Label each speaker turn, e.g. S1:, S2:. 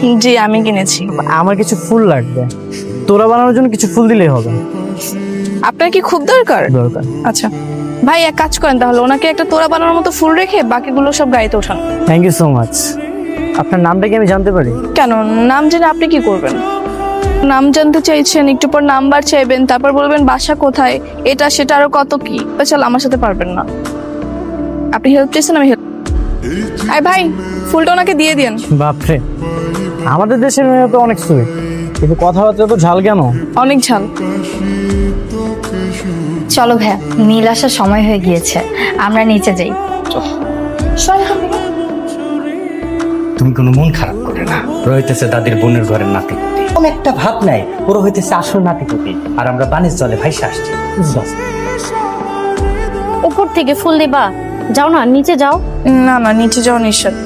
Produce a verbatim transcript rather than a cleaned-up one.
S1: জি আমি কিনেছি।
S2: আমার কিছু ফুল লাগবে, তোরা বানানোর জন্য কিছু ফুল দিলেই হবে।
S1: আপনার কি খুব দরকার?
S2: দরকার।
S1: আচ্ছা ভাই এক কাজ করেন তাহলে, ওনাকে একটা তোড়া বানানোর মতো ফুল রেখে বাকিগুলো সব গাড়িতে ওঠান।
S2: Thank you so much. আপনার নামটা কি আমি জানতে পারি?
S1: কেন, নাম জেনে আপনি কি করবেন? নাম জানতে চাইছেন, একটু পর নাম্বার চাইবেন, তারপর বলবেন বাসা কোথায়, এটা সেটা আরো কত কি। চল আমার সাথে পারবেন না। আপনি হেল্প চেয়েছেন, আমি হেল্প। আই ভাই ফুলটা ওনাকে দিয়ে দিন।
S2: বাপরে, আমাদের দেশের মেয়ে তো অনেক সুইট, কিন্তু কথাবার্তা তো ঝাল কেন?
S1: অনেক ঝাল।
S3: চলো ভাইয়া, নীল আসার সময় হয়ে গিয়েছে, আমরা নিচে যাই।
S4: তুমি কোনো মন খারাপ করে না, ওরা হইতেছে দাদির বোনের ঘরের নাতি, কোন একটা ভাব নাই, ওরা হইতেছে আসল নাতিপুতি, আর আমরা বাণিজ্য জলে ভাইসা আসছি।
S5: উপর থেকে ফুল দিবা, যাও না নিচে যাও।
S1: না না নিচে যাওয়া নিষেধ।